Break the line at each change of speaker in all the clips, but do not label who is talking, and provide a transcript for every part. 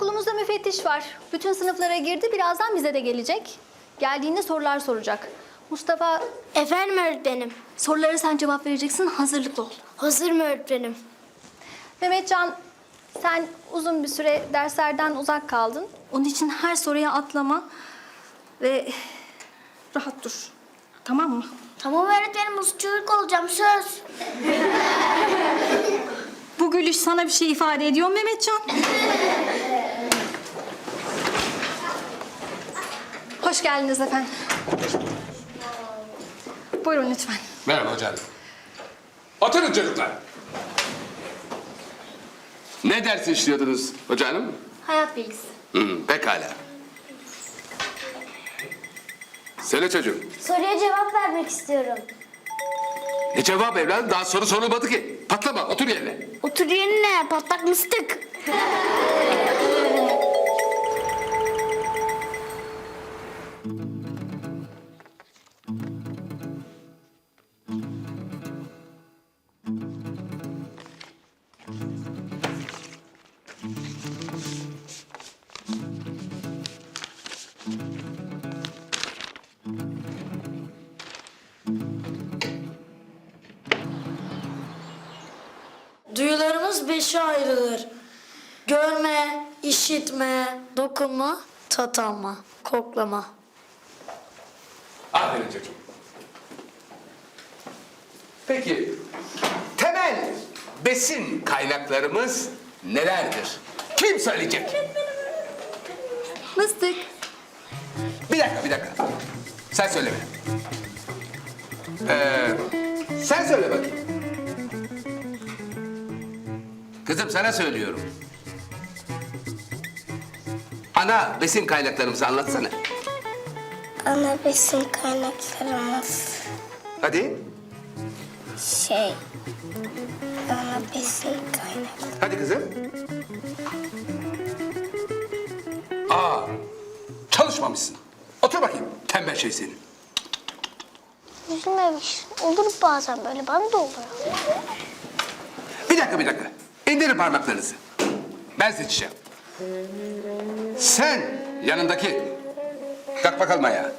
Okulumuzda müfettiş var. Bütün sınıflara girdi. Birazdan bize de gelecek. Geldiğinde sorular soracak. Mustafa,
Efendim öğretmenim.
sorulara sen cevap vereceksin. Hazırlıklı ol.
Hazırım öğretmenim.
Mehmetcan, sen uzun bir süre derslerden uzak kaldın. Onun için her soruya atlama ve rahat dur. Tamam mı?
Tamam öğretmenim, uslu çocuk olacağım, söz.
Bu gülüş sana bir şey ifade ediyor mu Mehmetcan? Hoş geldiniz efendim. Buyurun lütfen.
Merhaba hocam. Oturun çocuklar. Ne ders işliyordunuz hocam?
Hayat bilgisi.
Pekala. Söyle çocuğum.
Soruya cevap vermek istiyorum.
Ne cevap evladım? Daha soru sorulmadı ki. Patlama, otur yerine.
Otur yerine, patlak mıstık.
Duyularımız beşe ayrılır. Görme, işitme, dokunma, tat alma, koklama.
Aferin çocuğum. Peki, temel besin kaynaklarımız nelerdir? Kim söyleyecek?
Mıstık.
Bir dakika. Sen söyleme. Sen söyle bakayım. Kızım sana söylüyorum. Ana besin kaynaklarımızı anlatsana.
Ana besin kaynaklarımız
Hadi.
ana besin kaynakları.
Hadi kızım. Aa, çalışmamışsın. Otur bakayım. Tembel şey senin.
Üzülmemiş. Olur bazen böyle, bana da oluyor.
Bir dakika. İndirin parmaklarınızı. Ben seçeceğim. Sen yanındaki. Kalk bakalım ayağa.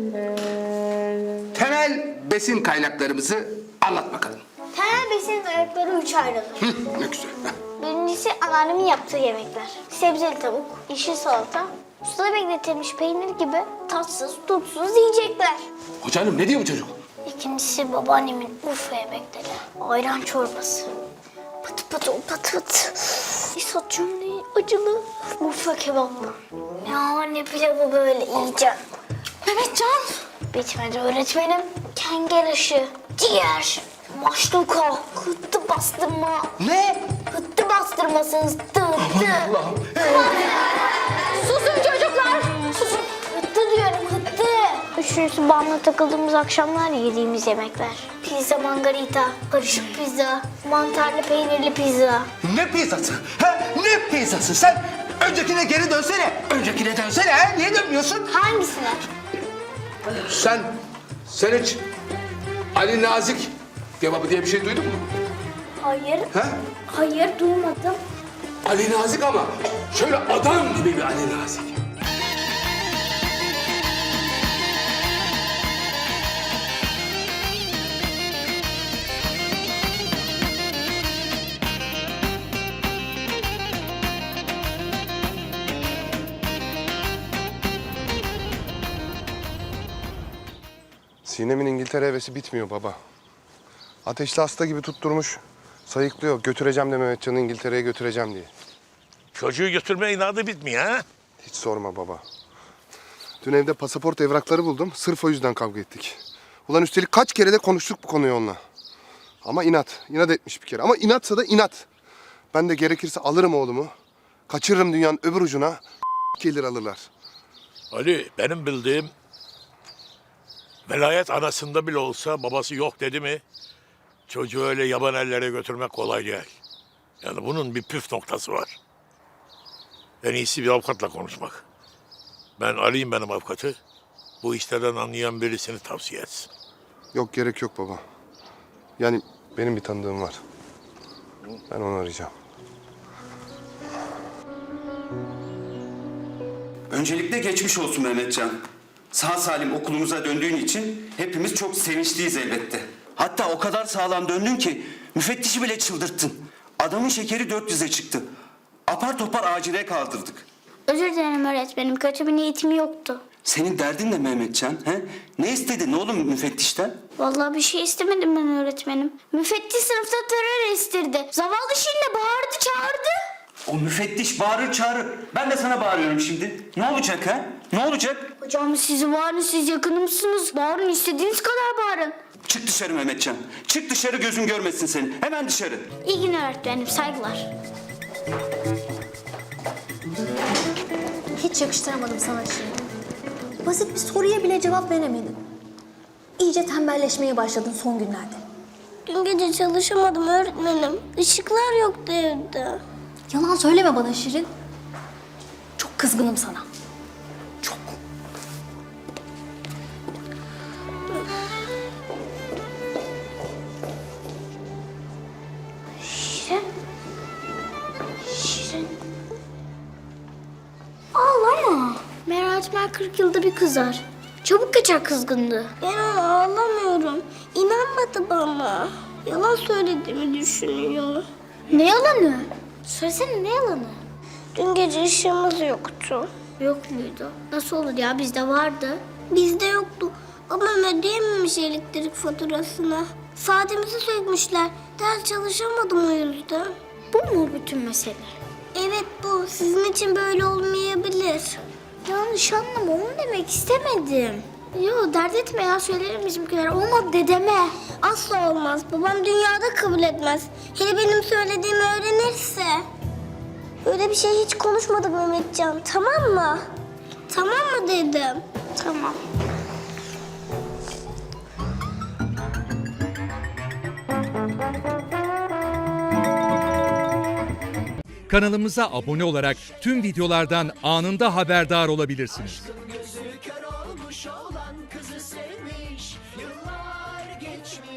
Temel besin kaynaklarımızı anlat bakalım.
Temel besin kaynakları 3 ayrılır.
Ne güzel.
Birincisi anneannemin yaptığı yemekler. Sebzeli tavuk, yeşil salata, suda bekletilmiş peynir gibi tatsız, tutsuz yiyecekler.
Hocanım ne diyor bu çocuk?
İkincisi babaannemin Urfa yemekleri. Ayran çorbası. Pıt pıt o pıt pıt. İsot cümleyi acılı. Urfa kebabı. Yani pilavı böyle yiyeceğim.
Mehmetcan.
Bitmedi öğretmenim. Kenger aşı, ciğer, maşluka, hıttı bastırma.
Ne?
Hıttı bastırmasınız.
Allah'ım.
Susun çocuklar.
Susun. Hıttı diyorum, hıttı. Üçüncüsü bağımlı takıldığımız akşamlar yediğimiz yemekler. Pizza margarita, karışık pizza, mantarlı peynirli pizza.
Ne pizzası? Ha? Ne pizzası? Sen öncekine geri dönsene. Öncekine dönsene. Ha? Niye dönmüyorsun?
Hangisine?
Sen hiç Ali Nazik kebabı diye bir şey duydun mu?
Hayır.
Ha?
Hayır, duymadım.
Ali Nazik ama şöyle adam gibi bir Ali Nazik.
Sinem'in İngiltere hevesi bitmiyor baba. Ateşli hasta gibi tutturmuş. Sayıklıyor. Götüreceğim de Mehmetcan'ı İngiltere'ye götüreceğim diye.
Çocuğu götürme inadı bitmiyor ha?
Hiç sorma baba. Dün evde pasaport evrakları buldum. Sırf o yüzden kavga ettik. Ulan üstelik kaç kere de konuştuk bu konuyu onunla. Ama inat. İnat etmiş bir kere. Ama inatsa da inat. Ben de gerekirse alırım oğlumu. Kaçırırım dünyanın öbür ucuna. Gelir alırlar.
Ali, benim bildiğim velayet anasında bile olsa babası yok dedi mi çocuğu öyle yaban ellere götürmek kolay değil. Yani bunun bir püf noktası var. En iyisi bir avukatla konuşmak. Ben arayayım benim avukatı. Bu işlerden anlayan birisini tavsiye etsin.
Yok gerek yok baba. Yani benim bir tanıdığım var. Ben onu arayacağım.
Öncelikle geçmiş olsun Mehmetcan. Sağ salim okulumuza döndüğün için hepimiz çok sevinçliyiz elbette. Hatta o kadar sağlam döndün ki müfettişi bile çıldırttın. Adamın şekeri 400'e çıktı. Apar topar acile kaldırdık.
Özür dilerim öğretmenim. Kötü bir niyetim yoktu.
Senin derdin ne Mehmetcan? He? Ne istedin oğlum müfettişten?
Vallahi bir şey istemedim ben öğretmenim. Müfettiş sınıfta terör estirdi. Zavallı Şirin'le bağırdı çağırdı.
O müfettiş bağırır çağırır. Ben de sana bağırıyorum şimdi. Ne olacak ha? Ne olacak?
Hocam siz bağırın, siz yakınımsınız. Bağırın, istediğiniz kadar bağırın.
Çık dışarı Mehmetcan. Çık dışarı, gözüm görmesin seni. Hemen dışarı.
İyi günler öğretmenim, saygılar.
Hiç yakıştıramadım sana Şirin. Basit bir soruya bile cevap veremedin. İyice tembelleşmeye başladın son günlerde.
Dün gece çalışamadım öğretmenim. Işıklar yoktu evde.
Yalan söyleme bana Şirin. Çok kızgınım sana. Çok.
Şirin. Şirin. Ağlama. Meracmer 40 yılda bir kızar. Çabuk geçer kızgınlığı. Ben ona ağlamıyorum. İnanmadı bana. Yalan söylediğimi düşünüyor. Ne yalanı? Söylesene ne yalanı? Dün gece ışığımız yoktu. Yok muydu? Nasıl olur ya? Bizde vardı. Bizde yoktu. Babam ödeyememiş elektrik faturasını. Saatimizi sökmüşler. Ders çalışamadım o yüzden. Bu mu bütün mesele? Evet bu. Sizin için böyle olmayabilir. Yanlış anlama. Onu demek istemedim. Yo dert etme ya. Söylerim bizimkiler. Olmadı dedeme. Asla olmaz. Babam dünyada kabul etmez. Hele benim söylediğimi öğrenirse. Öyle bir şey hiç konuşmadık Mehmetcan. Tamam mı? Tamam mı dedim. Tamam.
Kanalımıza abone olarak tüm videolardan anında haberdar olabilirsiniz.